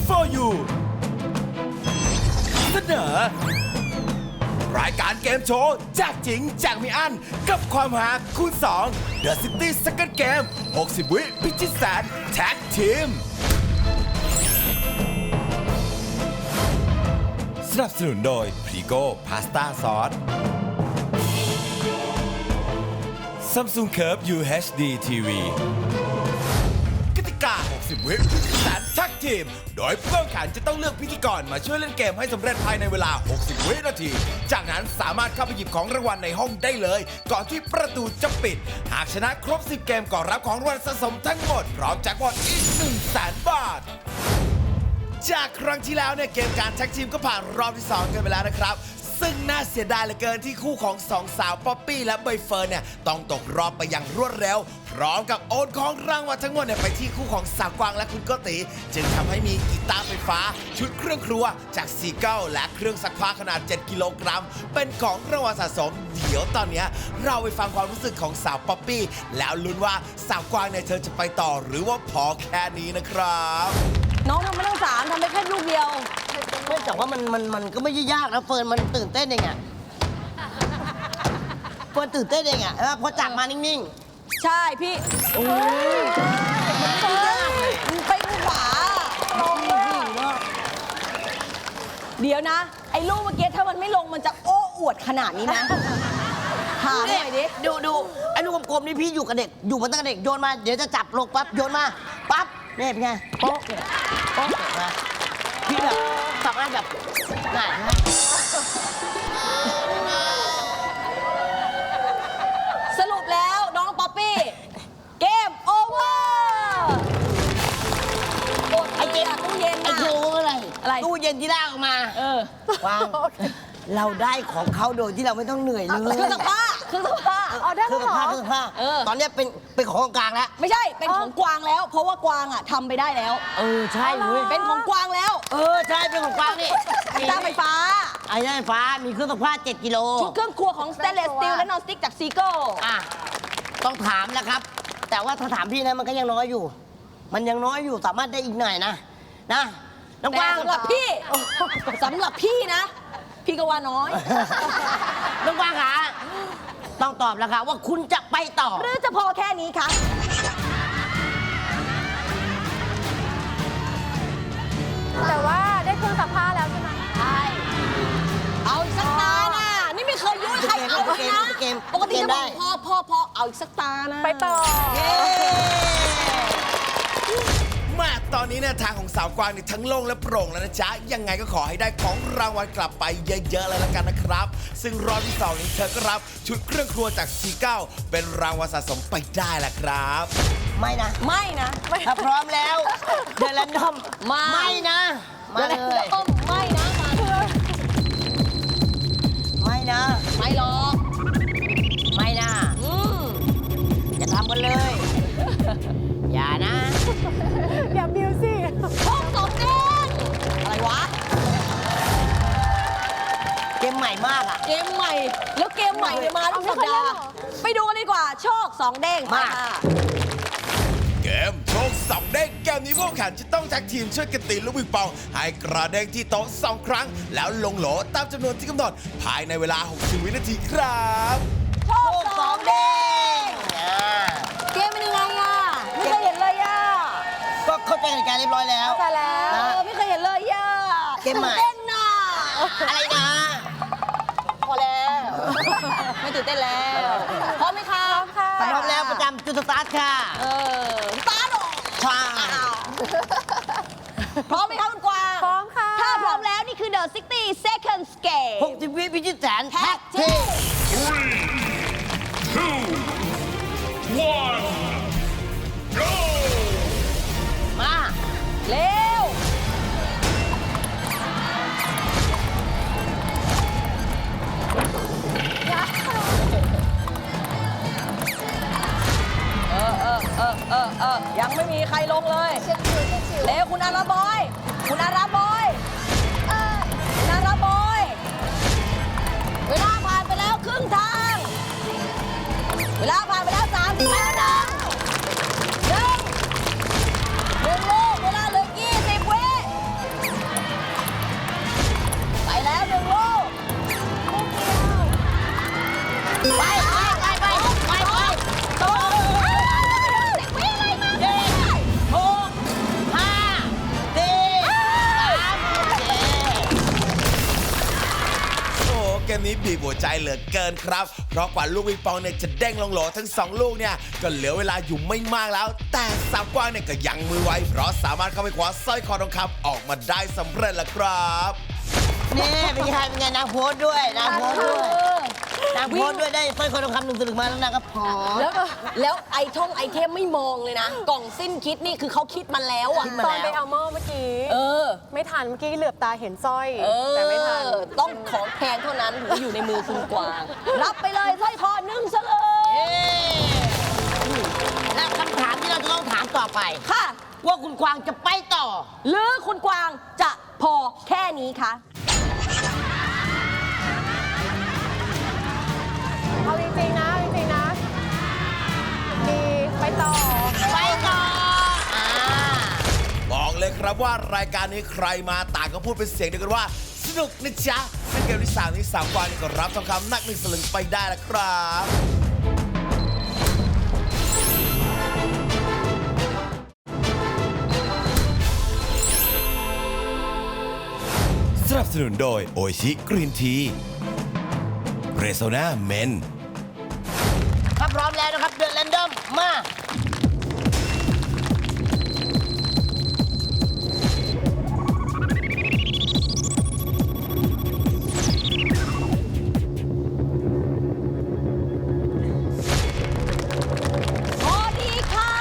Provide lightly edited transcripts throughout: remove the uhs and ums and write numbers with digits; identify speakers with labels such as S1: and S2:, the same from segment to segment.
S1: for you เสนอรายการเกมโชว์แจกจริงแจกไม่อั้นกับความหาคูณ2 The City Second Game 60 วิพิชิตแสนแท็กทีมสนับสนุนโดยพรีโก้พาสต้าซอส Samsung Curve UHD TV กติกา 60 วิพิธีแสนแท็กทีม โดยผู้แข่งขันจะต้องเลือกพิธีกรมาช่วยเล่นเกมให้สำเร็จภายในเวลา 60 วินาที จากนั้นสามารถเข้าไปหยิบของรางวัลในห้องได้เลย ก่อนที่ประตูจะปิด หากชนะครบ 10 เกมก็รับของรางวัลสะสมทั้งหมด พร้อมแจ็คพอตอีก 100,000 บาท จากครั้งที่แล้วเนี่ยเกมการแท็กทีมก็ผ่านรอบที่ 2 กันไปแล้วนะครับ ซึ่งน่าเสียดายเหลือเกินที่คู่ของสองสาวป๊อปปี้และใบเฟิร์นเนี่ยต้องตกรอบไปอย่างรวดเร็ว พร้อมกับโอนของรางวัลทั้งหมดเนี่ยไปที่คู่ของสาวกวางและคุณโกติจึงทำให้มีกีตาร์ไฟฟ้าชุดเครื่องครัวจากซีเกิลและเครื่องซักผ้าขนาด 7 กิโลกรัมเป็นของรางวัลสะสม เดี๋ยวตอนเนี้ยเราไปฟังความรู้สึกของสาวป๊อปปี้แล้วลุ้นว่าสาวกวางเนี่ยเธอจะไปต่อหรือว่าพอแค่นี้นะครับ
S2: น้องทำไม่ต้องสามทำไปแค่ลูกเดียว
S3: ไม่แต่ว่ามันก็ไม่ได้ยากนะเฟิร์นมันตื่นเต้นเองอะเฟิร์นตื่นเต้นเองอะพอจับมานิ่ง
S2: ใช่พี่โอ้ยมันไปขวาลงเดี๋ยวนะ ไอ้ลูกเมื่อกี้ถ้ามันไม่ลงมันจะโอ้อวดขนาดนี้นะถาม
S3: ๆ
S2: หน่อยดิ
S3: ดูไอ้ลูกกลมๆนี่พี่อยู่กับเด็กอยู่มาตั้งแต่เด็กโยนมาเดี๋ยวจะจับลงปั๊บโยนมาปั๊บนี่เป็นไงโป๊ะเนี่ยโป๊ะเนี่ยนะพี่แบบทำงานแบบง่ายนะ
S2: สรุปแล้วน้องป๊อปปี้เกมโอเวอร์ไอเจนตู้เย็น
S3: ไอ้
S2: อะ
S3: โยอะไร
S2: อะไร
S3: ตู้เย็นที่ลากออกมา วางเราได้ของเขาโดยที่เราไม่ต้องเหนื่อยเลย
S2: เครื่องซักผ้าเครื่องซักผ้า
S3: เครื่องซักผ้าเครื่องซักผ้า ตอนนี้เป็นของกลางแล้ว
S2: ไม่ใช่เป็นของกวางแล้ว เพราะว่ากวางอะทำไปได้แล้ว
S3: ใช่เว้ย
S2: เป็นของกวางแล้ว
S3: ใช่เป็นของกลางนี่
S2: กีตาร์ไฟฟ้า
S3: ไอ้ไฟฟ้ามีเครื่องซักผ้า7 กิโล
S2: ชุดเครื่องครัวของสเตนเลสสตีลและนอนสติ๊กจากซีโก้
S3: อ่ะต้องถามนะครับ แต่ว่าถ้าถามพี่นะมันก็ยังน้อยอยู่ มันยังน้อยอยู่สามารถได้อีกหน่อยนะน้องก
S2: แต่
S3: ว้าง
S2: สำหรับพี่สำหรับพี่นะ พี่ก็ว่าน้อย
S3: น้องกว้างคะต้องตอบแล้วค่ะว่าคุณจะไปต่อ
S2: หรือจะพอแค่นี้คะ
S4: แต่ว่าได้เครื่องซักผ้าแล้วใช่ไหม
S2: ใช่เอาอีกสักตาน่ะนี่ไม่เคยยุ่งใครเอาเลยนะปกติจะบอกพอเอาอีกสักตานะ
S4: ไปต่อ
S2: เย้
S1: มาตอนนี้เนี่ยทางของสาวกวางนี่ทั้งโล่งและโปร่งแล้วนะจ๊ะ ยังไงก็ขอให้ได้ของรางวัลกลับไปเยอะๆเลยละกันนะครับ ซึ่งรอบที่ 2 นี้เธอก็รับชุดเครื่องครัวจากซีเก้าเป็นรางวัลสะสมไปได้ละครับ
S3: ไม่นะ
S2: ไม่นะ
S3: ถ้าพร้อมแล้วเดลันดอม
S2: มา
S3: ไม่นะมาเลย
S2: ไม่นะมา
S3: ไม่นะ
S2: ไม่หรอก
S3: ไม่นะ จะทำกันเลย อย่านะ
S4: อย่าบิวสิ
S2: ห้องสองเด้งอะไรวะ
S3: เกมใหม่มากอ่ะ
S2: เกมใหม่ แล้วเกมใหม่เนี่ยมาทุกสัปดาห์ ไปดูกันดีกว่า โชคสองเด้ง
S3: มา
S2: ค่ะ
S1: เกมโชคสองเด้งเกมนี้พวกแข่งจะต้องแท็กทีมช่วยกันตีลูกปิงปอง ให้กระเด้งที่โต๊ะ2 ครั้ง แล้วลงโหลตามจำนวนที่กำหนด ภายในเวลา 60 วินาทีครับ
S2: โชคสองเด้งเกมเป็นยังไงอ่ะ ไม่เคยเห็นเลยอ่ะ
S3: ก็เข้าใจกติกาเรียบร้อยแล้ว
S4: แต่แล้ว
S3: นะ
S2: ไม่เคยเห็นเลยอ่ะ
S3: เกมใหม่
S2: ตื่นเต้นน่ะ
S3: อะไรนะ
S2: พอแล้ว ไม่ตื่นเต้นแล้วพร้อมไหมคะ
S4: ค่ะ
S3: พร้อมแล้วประจำจุดสตาร์ทค่ะ
S2: สตาร์ทหรอ
S3: ใช่
S2: พร้อมไหมคะคุณกวาง
S4: พร้อมค่ะ
S2: ถ้าพร้อมแล้วนี่คือ The 60 Seconds Game
S3: 60 วิพิชิตแสน
S2: แท็
S3: แท็
S2: ก
S3: ก
S2: ที
S3: ที
S2: ม
S3: มา
S2: เร็ว ยังไม่มีใครลงเลย เร็วคุณอาราบอย คุณอาราบอย คุณอาราบอย เวลาผ่านไปแล้วครึ่งทาง เวลาผ่านไปแล้ว30วินาทีหนึ่งลูกเวลาเหลือ20 วิ
S1: นี้บีบหัวใจเหลือเกินครับเพราะกว่าลูกปิงปองเนี่ยจะเด้งลงโหลทั้ง2ลูกเนี่ยก็เหลือเวลาอยู่ไม่มากแล้ว แต่สาวกวางเนี่ยก็ยังมือไวเพราะสามารถเข้าไปคว้าสร้อยคอทองคำออกมาได้สำเร็จแล้วครับ
S3: นี่เป็นไงนางโพสต์ด้วยนางโพสต์ด้วยนางโพสต์ด้วยได้สร้อยคอทองคำ1 สลึงมาแล้วนางก็พอ
S2: แล้วไอเทมไม่มองเลยนะ กล่องสิ้นคิดนี่คือเขาคิดมาแล้วอ่ะ
S4: ตอนไปเอาหม้อเมื่อกี้
S2: เออ
S4: ไม่ทันเมื่อกี้เหลือบตาเห็นสร้อย
S2: แต่
S4: แต่ไม่ทัน
S2: ต้องของแพงเท่านั้นถึงจะอยู่ในมือคุณกวาง รับไปเลยสร้อยคอ1 สลึง
S3: และคำถามที่เราจะต้องถามต่อไป
S2: ค่ะ
S3: ว่าคุณกวางจะไปต่อ
S2: หรือคุณกวางจะพอแค่นี้คะ
S4: เอาจริงๆนะดีไปต่อ
S3: ไปต่อ
S1: บอกเลยครับว่ารายการนี้ใครมาต่างก็พูดเป็นเสียงเดียวกันว่าสนุกนะจ๊ะซึ่งเกมที่3นี้สาวกวางนี่ก็รับทองคำหนัก1 สลึงไปได้แล้วครับสนับสนุนโดยโอชิกรีนทีเรโซนาเมน
S3: ถ้าพร้อมแล้วนะครับเดือนแรนดอมมา
S2: พอดีครับ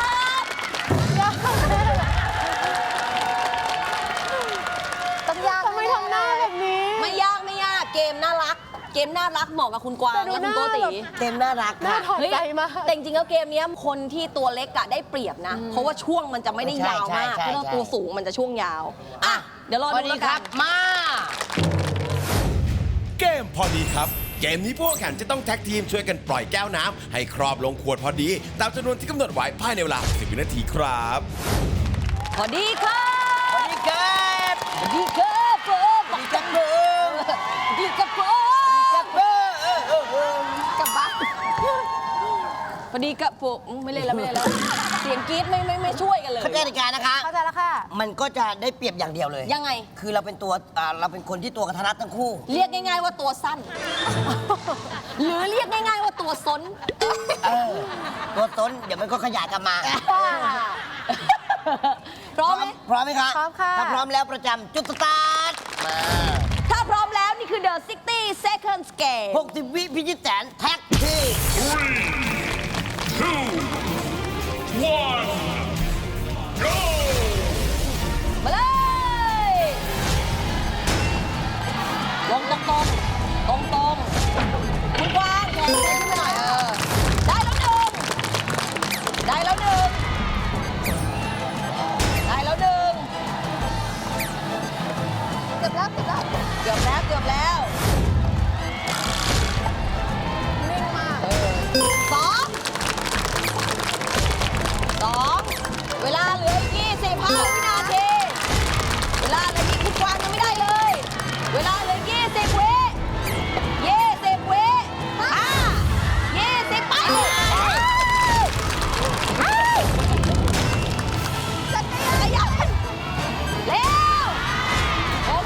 S4: ต้องยากทำไมทำหน้าแบบนี้
S2: ไม่ยากเกมน่ารักเหมาะกับคุณกวาง
S4: แต่ดู
S2: และคุณโกติ
S4: หน้าแบบ
S3: เต็มน่ารัก
S4: น่า
S3: ค่ะ
S4: ถอดใจมาก
S2: แต่จริงๆแล้วเกมเนี้ยคนที่ตัวเล็กอะได้เปรียบนะ เพราะว่าช่วงมันจะไม่ได้ยาวมาก
S3: ใช่
S2: เพราะว่าตัวสูงมันจะช่วงยาว อ่ะ เดี๋ยวรอ
S3: พอ
S2: ดู
S3: ดี
S2: แล้ว
S3: ค
S2: กั
S3: รั
S2: น
S3: บมา
S1: เกมพอดีครับ เกมนี้ผู้แข่งขันจะต้องแท็กทีมช่วยกันปล่อยแก้วน้ำให้ครอบลงขวดพอดี ตามจำนวนที่กำหนดไว้ภายในเวลา10 วินาทีครับ
S2: พอดีครับ
S3: สวัสดีครับ
S2: พอดีครับผม
S3: สวัสดีครับผม
S2: พอดีครับผม กลับบ้านพอดีกับผมไม่เล่นแล้ว เสียงกรี๊ดไม่ช่วยกันเลย
S3: เข้าใจกติกานะคะ
S4: เข้าใจแล้วค่ะ
S3: มันก็จะได้เปรียบอย่างเดียวเลย
S2: ยังไง
S3: คือเราเป็นตัวเราเป็นคนที่ตัวกระทะรัดทั้งคู่
S2: เรียกง่ายๆว่าตัวสั้น หรือเรียกง่ายๆว่าตัวซน
S3: ตัวต้นเดี๋ยวมันก็ขยายกลับมา
S2: พร้อมไหม
S3: พร้อมไหมคะ
S4: พร้อมค่ะ
S3: ถ้าพร้อมแล้วประจำจุดสตาร์ทมา
S2: ถ้าพร้อมแล้วนี่คือ The 60 Seconds Game
S3: 60 วิพิชิตแสนแท็กทีม
S2: มาเลยลงตรงคุณกวางแขนเส้นขึ้นมาหน่อยได้แล้วหนึ่งได้แล้วหนึ่งเกือบแล้วนิ่งมากสองเวลาเหลืออีก25 วินาที เวลาเหลืออีกคุณกวางยังไม่ได้เลย เวลาเหลือ20 วิ20 ไปจักรยานเร็วโอเค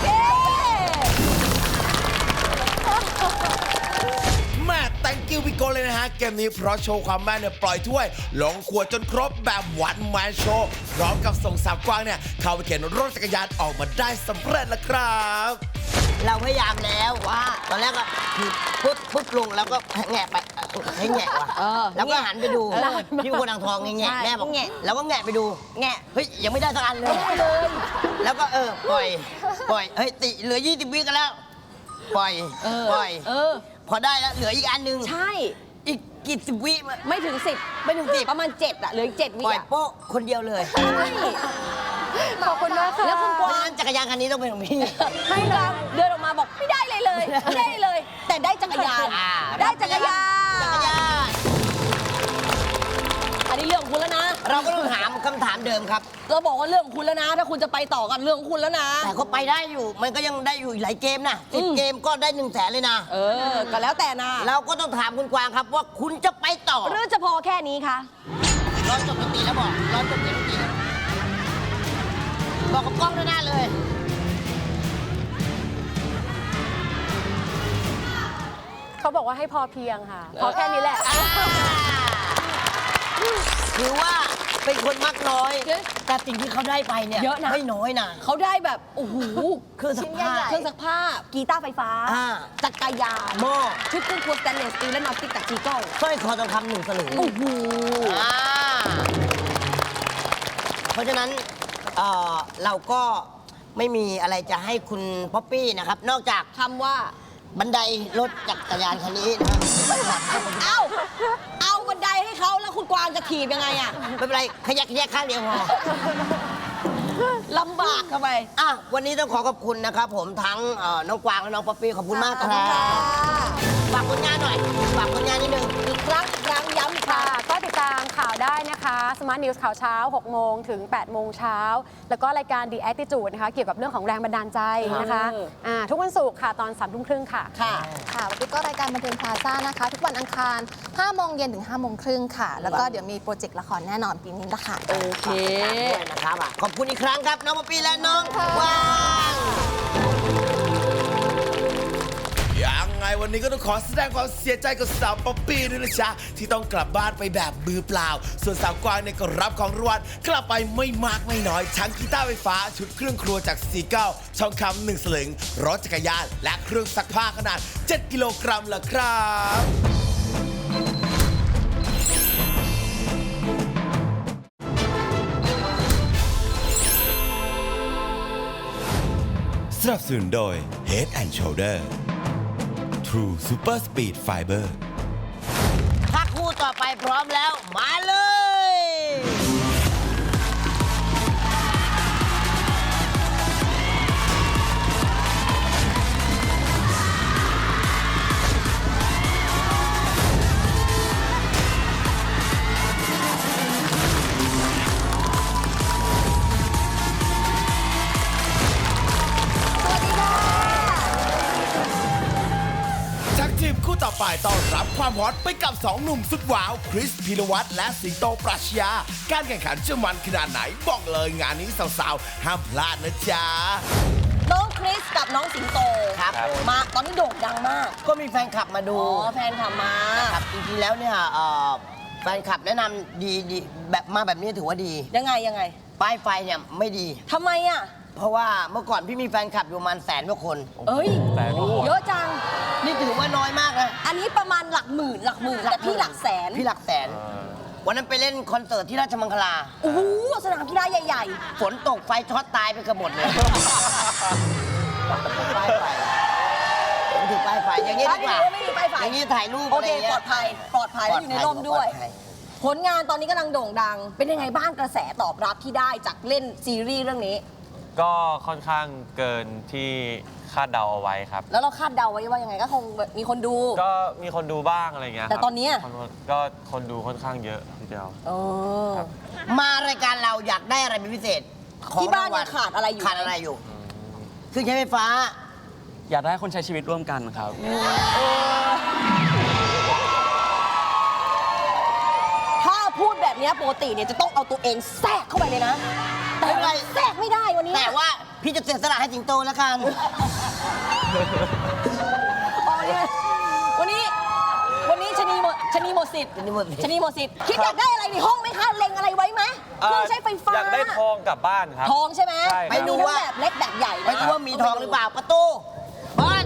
S1: แม่ thank you พี่โกเลยนะฮะ เกมนี้เพราะโชว์ความแม่นเนี่ยปล่อยถ้วย ลงขวดจนครบแบบวันแมนโชว์พร้อมกับส่งสาวกวางเนี่ย เข้าไปเข็นรถจักรยานออกมาได้สำเร็จแล้วครับ
S3: เราพยายามแล้วว่า ตอนแรกก็คือปุ๊บลงแล้วก็แงะไปให้แงะว่ะแล้วก็หันไปดูพี่คนอ่างทองแงะแม่บอกแงะแล้วก็แงะไปดูแงะเฮ้ยยังไม่ได้สักอันเลยแล้วก็ปล่อยเฮ้ยติเหลือ20 วิกันแล้วปล่อยพอได้แล้วเหลืออีกอันนึง
S2: ใช่
S3: อีกกี่สิบวิ
S2: ไม่ถึง 10
S3: ไม่ถึง10
S2: ประมาณ 7อะเหลืออีก7 วิ
S3: ปล่อย
S2: อะ
S3: โป๊ะคนเดียวเลย
S2: ใช่
S4: ขอบคุณมากค่ะ
S2: แล้วคุณ
S3: เพ
S2: ก
S3: ราะ
S2: วา
S3: ฉะ
S2: ง
S3: นั้นจักรยานคันนี้ต้องเป็นของพี่
S2: ไม่กวางเดินออกมาบอกไม่ได้เลย แต่ได้จักรยาน ได้จักรยาน
S3: จักรยาน
S2: อันนี้เรื่องของคุณแล้วนะ
S3: เราก็ต้องถามคำถามเดิมครับ
S2: เราบอกว่าเรื่องของคุณแล้วนะ ถ้าคุณจะไปต่อกันเรื่องของคุณแล้วนะ
S3: แต่ก็ไปได้อยู่ มันก็ยังได้อยู่อีกหลายเกมนะ
S2: อืม
S3: 10 เกมก็ได้1 แสนเลยนะ
S2: ก็แล้วแต่นะ
S3: เราก็ต้องถามคุณกวางครับว่าคุณจะไปต่อ
S2: หรือจะพอแค่นี้คะ
S3: ร้อนจบดนตรีแล้วบอกร้อนจบเสียงดนตรีแล้วบอกกับกล้องด้านหน้าเลย
S4: เขาบอกว่าให้พอเพียงค่ะ พอแค่นี้แหละ
S3: ถือว่าเป็นคนมักน้อย แต่สิ่งที่เขาได้ไปเนี่ย
S2: เยอะนะ
S3: ไม่น้อยนะ
S2: เขาได้แบบโอ้โห
S3: เครื่องซักผ้า
S2: เครื่องซักผ้ากีตาร์ไฟฟ้า
S3: อ่า
S2: จักรยาน
S3: หม้อ
S2: ชุดเครื่องครัวสแตนเลสสตีลและนอตติกจากจีโก้
S3: สร้อยคอทองคำ1 สลึง
S2: โอ้โห
S3: อ่าเพราะฉะนั้นเราก็ไม่มีอะไรจะให้คุณป๊อปปี้นะครับ นอกจาก
S2: คำว่า
S3: บันไดรถจักรยานคันนี้นะครับ
S2: เอาบันไดให้เขาแล้วคุณกวางจะถีบยังไงอะ
S3: ไม่เป็นไรขยักแยกข้างเดียวพอ
S2: ลำบากเข้าไป
S3: อ่ะวันนี้ต้องขอขอบคุณนะครับผมทั้งน้องกวางและน้องป๊อปปี้ขอบคุณมากครับฝากผลงานหน่อยฝากผลงานนิดนึง
S2: อีกครั้งย้ำอีกครั้
S4: ค่ะ
S2: ง
S4: ก็ติดตามข่าวได้นะคะ Smart News ข่าวเช้า 6 โมงถึง 8 โมงเช้า แล้วก็รายการ The Attitude นะคะ เกี่ยวกับเรื่องของแรงบันดาลใจนะคะทุกวันศุกร์ค่ะ ตอน 3 ทุ่มครึ่งค่ะ
S2: ค่ะ
S5: ค่ะวันนี้ก็รายการบันเทิงพลาซ่านะคะ ทุกวันอังคาร 5 โมงเย็นถึง 5 โมงครึ่งค่ะ แล้วก็เดี๋ยวมีโปรเจกต์ละครแน่นอนปีนี้ละค่ะ
S2: โอเค
S3: ด้วยนะครับขอบคุณอีกครั้งครับน้องป๊อปปี้และน้องกวาง
S1: ยังไงวันนี้ก็ต้องขอแสดงความเสียใจกับสาวป๊อปปี้ด้วยนะจ๊ะที่ต้องกลับบ้านไปแบบมือเปล่า ส่วนสาวกวางเนี่ยก็รับของรางวัลกลับไปไม่มากไม่น้อยทั้งกีตาร์ไฟฟ้าชุดเครื่องครัวจากซีเก้าทองคำ1 สลึงรถจักรยาน และเครื่องซักผ้าขนาด 7 กิโลกรัมละครับ สนับสนุนโดย Head and Shoulder True Super Speed Fiber
S3: ถ้าคู่ต่อไปพร้อมแล้ว มาเลย
S1: ทักทีมคู่ต่อไปต้อนรับความฮอตไปกับ 2 หนุ่มสุดว้าว คริสพีรวัตรและสิงโตปรัชญาการแข่งขันจะมันขนาดไหนบอกเลยงานนี้สาวๆ ห้ามพลาดนะจ๊ะ
S2: น้องคริสกับน้องสิงโต
S3: ครับ
S2: มาตอนนี้โด่งดังมาก
S3: ก็มีแฟนคลับมาดู
S2: อ๋อแฟนทำมา
S3: ครับจริงๆแล้วเนี่ยแฟนคลับแนะนำดีแบบมาแบบนี้ถือว่าดี
S2: ยังไง
S3: ป้ายไฟเนี่ยไม่ดี
S2: ทำไมอ่ะ
S3: เพราะว่าเมื่อก่อนพี่มีแฟนคลับอยู่ประมาณ100,000 กว่าคน
S2: เอ้ยเยอะจัง
S3: นี่ถือว่าน้อยมากนะ
S2: อันนี้ประมาณหลักหมื่นแต่พี่หลักแสน
S3: พี่หลักแสน วันนั้นไปเล่นคอนเสิร์ตที่ราชมังคลา
S2: โอ้โหสนามกีฬาใหญ่
S3: ฝนตกไฟช็อตตายไปเกือบหมดเลยป้ายไฟไม่ถึงป้ายไฟอย่างนี้ดีกว่า
S2: ไม่มีป้ายไฟ
S3: อย่างนี้ถ่ายรูป
S2: โอ
S3: อะไร
S2: เค
S3: เงี้ย
S2: ปลอดภัยแล้วอยู่ในร่มด้วย
S3: ปลอภั
S2: ผลงานตอนนี้กำลังโด่งดัง เป็นยังไงบ้างกระแสตอบรับที่ได้จากเล่นซีรีส์เรื่องนี้
S6: ก็ค่อนข้างเกินที่คาดเดาเอาไว้ครับ
S2: แล้วเราคาดเดาไว้ว่ายังไงก็คงมีคนดู
S6: ก็มีคนดูบ้างอะไรเงี้ย
S2: แต่
S6: ครับ
S2: ตอนเนี้ย
S6: ก็คนดูค่อนข้างเยอะทีเดียว
S2: เออ
S6: ครับ
S3: มารายการเราอยากได้อะไรเป็นพิเศษของ
S2: ที่บ้าน
S3: รางวัล
S2: ยังขาดอะไรอยู่
S3: ขาดอะไรอยู่เครื่องใช้ไฟฟ้า
S7: อยากได้คนใช้ชีวิตร่วมกันครับ
S2: ถ้าพูดแบบเนี้ยปกติเนี่ยจะต้องเอาตัวเองแทรกเข้าไปเลยนะ แต่
S3: ไม่เป็นไร
S2: แทรกไม่ได้วันนี้
S3: แต่ว่าพี่จะเสียสละให้สิงโตแล้วกัน
S2: อ๋อเนี่ยวันนี้ชะนีหมดสิทธิ์
S3: ชะนีหมดสิทธิ์
S2: ชะนีหมดสิทธิ์คิดอยากได้อะไรในห้องไหมคะเล็งอะไรไว้ไหมเครื่องใช้ไฟฟ้า
S6: อยากได้ทองกลับบ้านครับ
S2: ทองใช่ไหม
S6: ใช่ครับ
S2: ไปดูว่าแบบเล็กแบบใหญ่
S3: ไม่รู้ว่ามีทองหรือเปล่าประตูบอล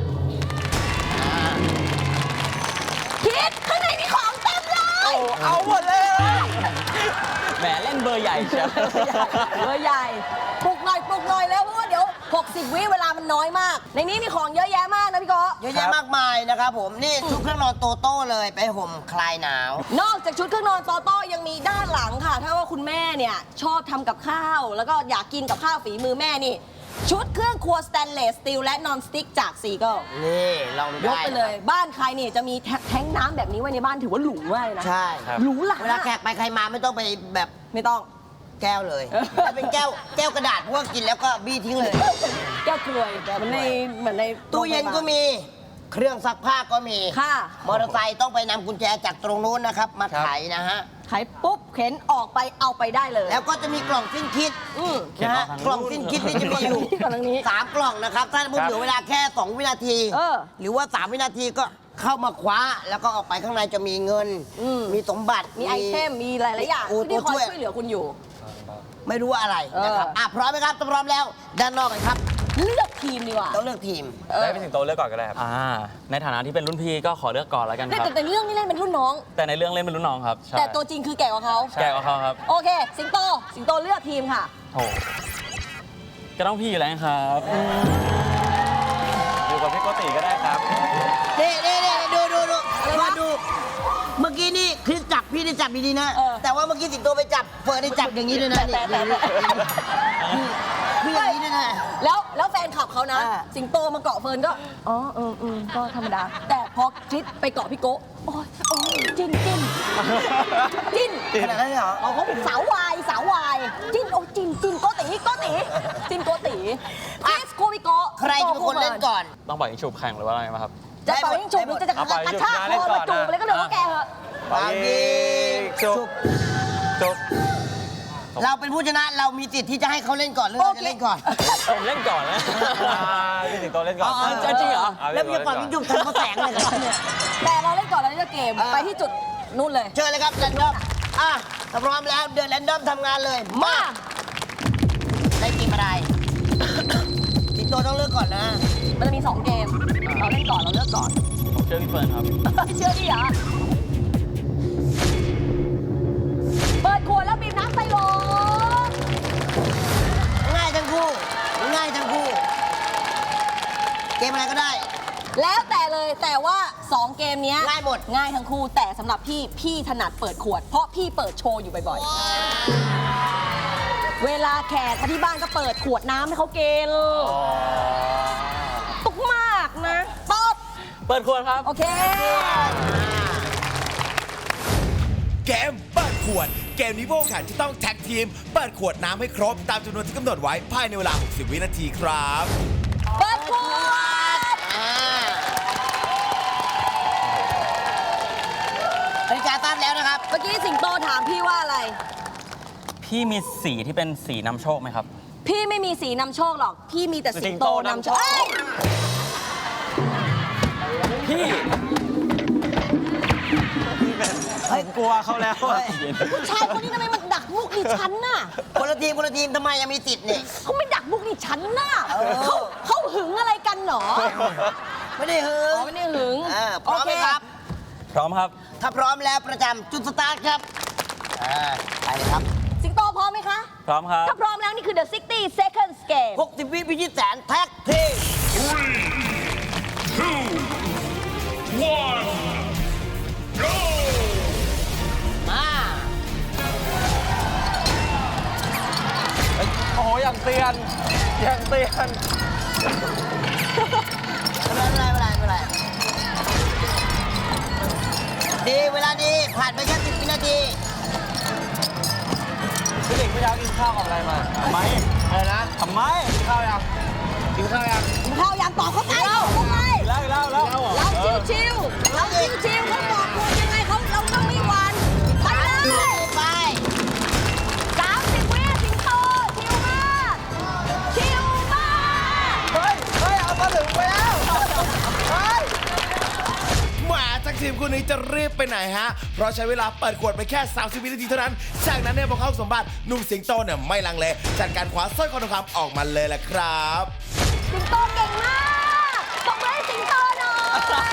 S2: คิดข้างในมีของเต็มเลย
S7: เอาหมดเลย แหมเล่นเบอร์ใหญ่เชียว
S2: เบอร์ใหญ่ปลุกหน่อยแล้วเพราะว่าเดี๋ยว 60 วิเวลามันน้อยมาก ในนี้มีของเยอะแยะมากนะพี่โก
S3: เยอะแยะมากมายนะครับผมนี่ชุดเครื่องนอนโตโต้เลยไปห่มคลายหนาว
S2: นอกจากชุดเครื่องนอนโตโต้ยังมีด้านหลังค่ะ ถ้าว่าคุณแม่เนี่ยชอบทำกับข้าว แล้วก็อยากกินกับข้าวฝีมือแม่นี่ ชุดเครื่องครัวสแตนเลสสตีลและนอนสติ๊กจากซีเกิล
S3: นี่ลองดู
S2: ย
S3: ได้
S2: กไปเลย บ้านใครเนี่ยจะมีแท้งน้ำแบบนี้ไว้ในบ้านถือว่าหรูมากเลยนะ
S3: ใช่
S6: ครับ
S2: หรูหรา
S3: เวลาแขกไปใครมาไม่ต้องไปแบบ
S2: ไม่ต้อง
S3: แก้วเลยถ้าเป็นแก้วกระดาษเพราะว่ากินแล้วก็บี้ทิ้งเลย
S2: แก้วกรวยเหมือนใน
S3: ตู้เย็นก็มี เครื่องซักผ้าก็มี
S2: ค่ะ
S3: มอเตอร์ไซค์ต้องไปนำกุญแจจากตรงนู้นนะครับ มาไขนะฮะ
S2: ขายปุ๊บเข็นออกไปเอาไปได้เลย
S3: แล้วก็จะมีกล่องสิ้นคิด นะฮะ
S7: เขียนออกทางนู้น
S3: กล่องสิ้นคิดนี่จะมีอยู่
S2: กล่องทางนี้
S3: 3 กล่องนะครับ ถ้าสมมติเหลือเวลาแค่ 2 วินาที
S2: เออ
S3: หรือว่า 3 วินาทีก็เข้ามาคว้าแล้วก็ออกไปข้างในจะมีเงิน มีสมบัติ
S2: มีไอเทม มีหลายๆอย่าง
S3: โอ้
S2: ที่คอย
S3: ตัวช่วย
S2: ช่วยเหลือคุณอยู่
S3: ไม่รู้ว่าอะไรนะครับพร้อมไหมครับถ้าพร้อมแล้วด้านนอกกันครับ
S2: เลือกทีมดีกว่า
S3: ต้องเลือกทีม
S6: ได้พี่สิงโตเลือกก่อนก็ได้ครับ
S7: ในฐานะที่เป็นรุ่นพี่ก็ขอเลือกก่อนแล้วกันครับ
S2: แต่เรื่องนี้เล่นเป็นรุ่นน้อง
S7: แต่ในเรื่องเล่นเป็นรุ่นน้องครับใช่
S2: แต่ตัวจริงคือแก่กว่าเขา
S7: แก่กว่าเขาครับ
S2: โอเค สิงโตเลือกทีมค่ะ
S7: โอ้ก็ต้องพี่อยู่แล้วครับ
S6: อยู่กับพี่โกติก็ได้ครับ
S3: นี่ดูมาดู เมื่อกี้นี่คริสจับพี่ได้จับดีๆนะ แต่ว่าเมื่อกี้สิงโตไปจับเฟิร์นได้จับอย่างนี้ด้วยนะนี่คืออย่างนี้ด้วยนะ
S2: แล้วแฟนคลับเขานะ สิงโตมาเกาะเฟิร์นก็ อ๋อก็ธรรมดา แต่พอคริสไปเกาะพี่โกะโอ้ยจิ้น
S3: ขนาดนั้นเลยเหรอ
S2: เขาเป็นสาววายจิ้นโอ้จิ้นโกติจิ้นโกติคริสคู่พี่โกะ
S3: ใครจะเป็นคนเล่นก่อน
S7: ต้องปล่อยยิงฉุบแข่งหรือว่าอะไรไหมครับ
S2: จะเป่ายิงฉุบหรือจะกระชากคอมาจูบอะไรก็เดี๋ยวแกเหอะ
S3: ปายิงฉุบ
S6: จบ
S3: เราเป็นผู้ชนะเรามีสิทธิ์ที่จะให้เขาเล่นก่อนหรือเราจะเล่นก่อน
S7: ผมเล่นก่อนนะ
S6: พี่สิงโตเล่นก่อน
S7: จริงเหรอ
S3: แล้วมีก่อนมีจุ่มทำเขาแสงเลยครับเนี่ย
S2: แต่เราเล่นก่อนเราเล่นเกมไปที่จุดนู่นเลย
S3: เชิญเลยครับแรนดอมถ้าพร้อมแล้วเดินแรนดอมทำงานเลยมาได้เกมอะไรสิงโตต้องเลือกก่อนนะ
S2: มันจะมี2เกมเราเล่นก่อนเราเลือกก่อน
S7: ผมเชื่อพี่เฟิร์นครับ
S2: เชื่อดิเหรอเปิดขวดแล้วบีบน้ำใส่โหล
S3: ง่ายทั้งคู่เกมอะไรก็ได้
S2: แล้วแต่เลยแต่ว่า2เกมเนี้ย
S3: ง่ายหมด
S2: ง่ายทั้งคู่แต่สำหรับพี่ถนัดเปิดขวด เพราะพี่เปิดโชว์อยู่บ่อยๆ เวลาแขกมาที่บ้านก็เปิดขวดน้ำให้เขากินตุกมากนะตอบ
S7: เปิดขวดครับ
S2: โอเค
S1: เกมเปิดขวด เกมนี้พวกแข่งที่ต้องแท็กทีม เปิดขวดน้ำให้ครบ ตามจำนวนที่กำหนดไว้ภายในเวลา 60 วินาทีครับ
S2: เปิดขวด
S3: นาฬิกาตั้งแล้วนะครับ
S2: เมื่อกี้สิงโตถามพี่ว่าอะไร
S7: พี่มีสีที่เป็นสีนำโชคไหมครับ
S2: พี่ไม่มีสีนำโชคหรอก พี่มีแต่สิงโตนำโชค
S7: พี่
S6: กลัวเขาแล้วอะ
S2: ผู้ชายคนนี้ทำไมมันดักมุกดิฉันน่ะ
S3: คนละทีมทำไมยังมีติดเนี่ย
S2: เขาไม่ดักมุกดิฉันน่ะเขาหึงอะไรกันหนอ
S3: ไม่ได้หือ
S2: อ๋อไม่ได้หึง
S3: พร้อมไหมครับ
S7: พร้อมครับ
S3: ถ้าพร้อมแล้วประจำจุดสตาร์ทครับไปเลยครับ
S2: สิงโตพร้อมไหมคะ
S7: พร้อมครับ
S2: ถ้าพร้อมแล้วนี่คือ The 60 Seconds Game
S3: 60 วิพิชิตแสนแท็กทีม มา
S6: โอ้โหอย่างเตือน
S3: ไม่เป็นไรดีเวลาดีผ่านไปแค่10 วินาที
S6: พี่หลิงเมื่อเช้ากินข้าวกับอะไรมา
S7: ทำไม
S6: อะไรนะ
S7: ทำไม
S6: กินข้าวยัง
S2: กินข้าวยังตอบเข้าไปตอบเข้าไป
S7: เล่า
S2: เราชิวๆเขาบอกคุณยังไงเราต้องไม่หวันไปเลย
S3: ไป
S2: 30 วิสิงโตชิวมาก
S1: แหมาจากทีมคู่นี้จะรีบไปไหนฮะ เพราะใช้เวลาเปิดขวดไปแค่ 30 วินาทีเท่านั้น จากนั้นเนี่ยพอเข้าสมบัติหนุ่มสิงโตเนี่ยไม่ลังเลจัดการคว้าสร้อยคอทองคำออกมาเลยแหละครับ
S2: สิงโตเก่งมากตบมือให้สิงโตหน่อย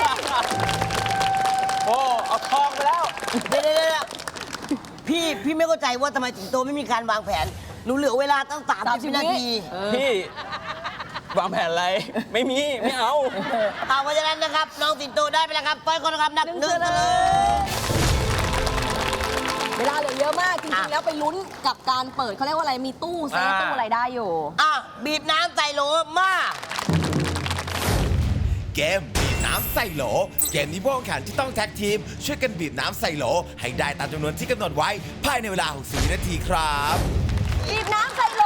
S6: โอ้ เอาทองไปแล้ว
S3: เดี๋ยวพี่ไม่เข้าใจว่าทำไมสิงโตไม่มีการวางแผน หนูเหลือเวลาตั้ง30 วินาที
S7: พี่วางแผนอะไร ไม่มี ไม่เอา
S3: เพราะฉะนั้นนะครับ น้องสิงโตได้ไปแล้วครับต้อยคนนะครับหนัก1
S2: 1
S3: เลย
S2: เวลาเหลือเยอะมาก จริงๆ แล้วไปลุ้นกับการเปิดเขาเรียกว่าอะไร มีตู้เซฟตู้อะไรได้อยู่
S3: บีบน้ำใส่โหลมา
S1: เกมบีบน้ำใส่โหล เกมนี้พวกแข่งที่ต้องแท็กทีม ช่วยกันบีบน้ำใส่โหล ให้ได้ตามจำนวนที่กำหนดไว้ภายในเวลา 60 วินาทีครับ
S2: บีบน้ำใส่โหล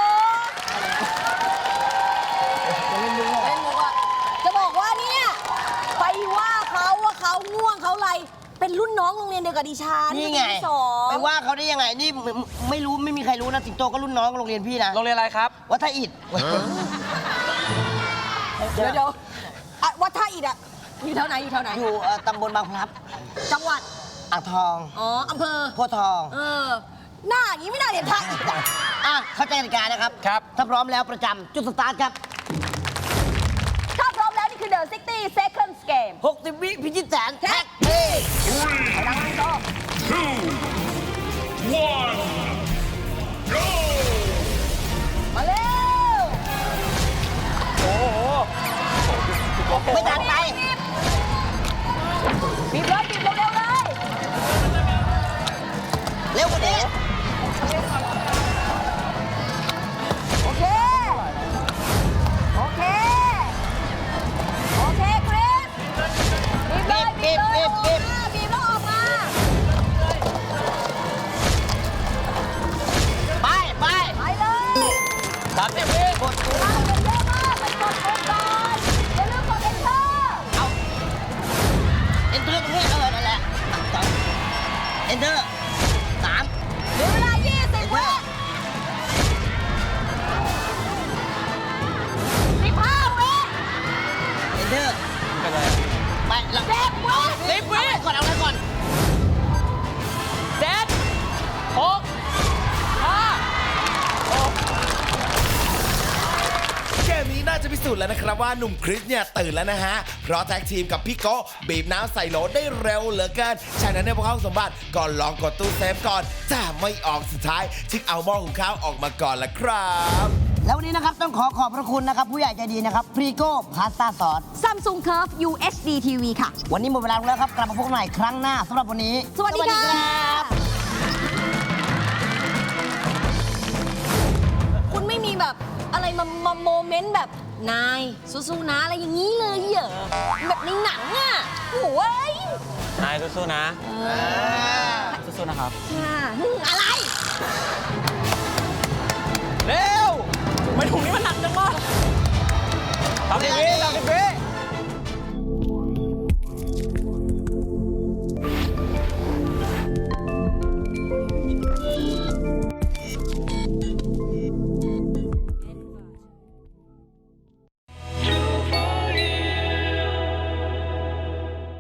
S2: เล่นมุกอะจะบอกว่าเนี่ย ไปว่าเขาว่าเขาง่วงเขาอะไร เป็นรุ่นน้องโรงเรียนเดียวกับดิฉัน
S3: นี่ไง
S2: ปีที่สอง
S3: ไปว่าเขาได้ยังไง นี่ไม่รู้ไม่มีใครรู้นะ สิงโตก็รุ่นน้องโรงเรียนพี่นะ
S6: โรงเรียนอะไรครับ
S3: วัดท่าอิฐ
S2: เดี๋ยวอ่ะวัดท่าอิฐอะอยู่แถวไหนอยู่แถวไหน
S3: อยู่ตำบลบางพลับ
S2: จังหวัด
S3: อ่างทอง
S2: อ๋ออำเภอ
S3: โพธิ์ทอง
S2: หน้าอย่างนี้ไม่น่าเรียนทัก
S3: เข้าใจกติกานะครับ
S6: ครับ
S3: ถ้าพร้อมแล้วประจำจุดสตาร์ทครับ
S2: ถ้าพร้อมแล้วนี่คือ The 60 Seconds Game
S3: 60 วิพิชิตแสน
S2: แท็
S3: แท็
S2: ก
S3: ก
S2: ทีดังนั้นก็ มาเร็ว
S3: ไม่ทันไป
S2: บีบเลยบีบเร็วๆเลย
S3: เร็วกว่านี้
S2: โอเค โอเค โอเคคริสบีบเลยบีบเลยออกมาบีบแล้วออกมา
S3: ไปไป
S2: ไปเลย
S3: 30 วิกด
S2: มาเป็นเยอะมากไปกดปุ่มก่อนอย่าลืมกด Enter
S3: เอาเอนเตอร์ตรงนี้นั่นแหละเอนเตอร์3
S2: เหลือเวลา 20 วิ15 วิ
S3: เอนเตอร์
S6: เป็นไร
S3: ไปแล้ว
S2: 10 วิ
S3: 10 วิก่อนเอาอะไรก่อน
S1: เกมนี้น่าจะพิสูจน์แล้วนะครับว่าหนุ่มคริสเนี่ยตื่นแล้วนะฮะ เพราะแท็กทีมกับพี่โก้บีบน้ำใส่โหลได้เร็วเหลือเกินฉะนั้นในพวกเขาสมบัติก่อนลองกดตู้เซฟก่อนแต่ไม่ออกสุดท้ายจึงเอาหม้อหุงข้าวออกมาก่อนละครับ
S3: แล้ววันนี้นะครับต้องขอบพระคุณนะครับ ผู้ใหญ่ใจดีนะครับพรีโก้พาสต้าซอส
S2: Samsung Curve UHD TV ค่ะ
S3: วันนี้หมดเวลาลงแล้วครับ กลับมาพบกันใหม่ครั้งหน้าสำหรับวันนี้
S2: สวัสดีค่ะ คุณไม่มีแบบอะไรมาโมเมนต์แบบนายสู้ๆนะอะไรอย่างนี้เลยเหรอแบบในหนังอ่ะโอ้ย
S6: นายสู้ๆนะ
S7: สู้ๆนะครับ
S2: ค่ะอะไร
S7: เร็ว ไม่ถุงนี้มันหนักจังวะ30 วิ